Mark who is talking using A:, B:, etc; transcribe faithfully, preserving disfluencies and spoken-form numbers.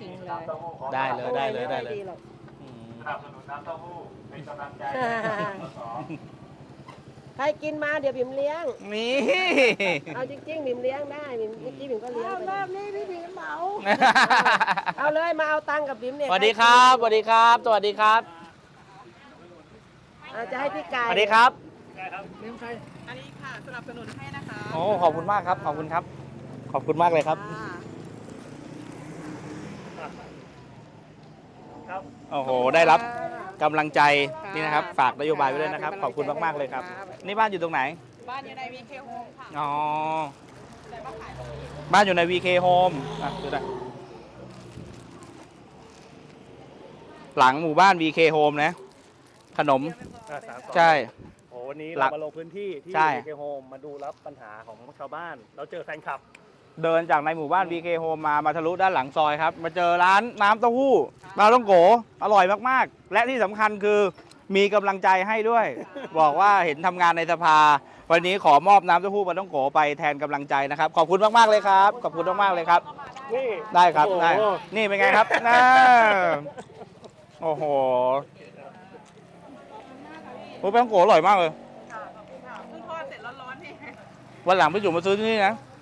A: ได้เลยได้เลยได้เลย
B: สนับสนุนน้ำเต้าหู้เป็นกำลังใจ
C: ใครกินมาเดี๋ยวบิ่มเลี้ยง
A: นี่
C: เอาจริงๆบิ่มเลี้ยงได้บิ่มเมื่อกี้บิ่มก็เลี้ยงไป
D: รอบนี้พี่บิ่มเหมา
C: เอาเลยมาเอาตังค์กับบิ่มเนี่ย
A: สวัสดีครับสวัสดีครับสวัสดีครับ
C: จะให้พี่กาย
A: สวัสดีครับ
D: อันนี้ค่ะสนับสนุนให้นะคะ
A: โอ้ขอบคุณมากครับขอบคุณครับ ขอบคุณมากเลยครับโอ้โหได้รับกำลังใจนี่นะครับฝากนโยบายไว้ด้วยนะครับขอบคุณมากๆเลยครับนี่บ้านอยู่ตรงไหน
D: บ้านอยู่ใน วี เค Home ค่ะ
A: อ๋อบ้านอยู่ใน วี เค Home อ่ะดูนะหลังหมู่บ้าน วี เค Home นะขนมใช่
B: โอ้วันนี้เรามาลงพื้นที่ที่
A: ใช่
B: วี เค Home มาดูรับปัญหาของชาวบ้านเราเจอแฟนคลับ
A: เดินจากในหมู่บ้าน วี เค Home มามาทะลุด้านหลังซอยครับมาเจอร้านน้ำเต้าหู้ปลาท่องโกอร่อยมากๆและที่สำคัญคือมีกำลังใจให้ด้วย บอกว่าเห็นทำงานในสภาวันนี้ขอมอบน้ำเต้าหู้ปลาท่องโกไปแทนกำลังใจนะครับขอบคุณมากๆเลยครับขอบคุณมากๆเลยครับ
B: นี่
A: ได้ครับได้นี่เป็นไงครับน่าโอ้โหโอ้ปลาท่องโกอร่อยมากเลย
D: ค่ะขอบคุณค่ะเพิ่งทอดเสร็จร้อนๆนี่
A: วันหลังไปอยู่มาซื้อที่นี่นะ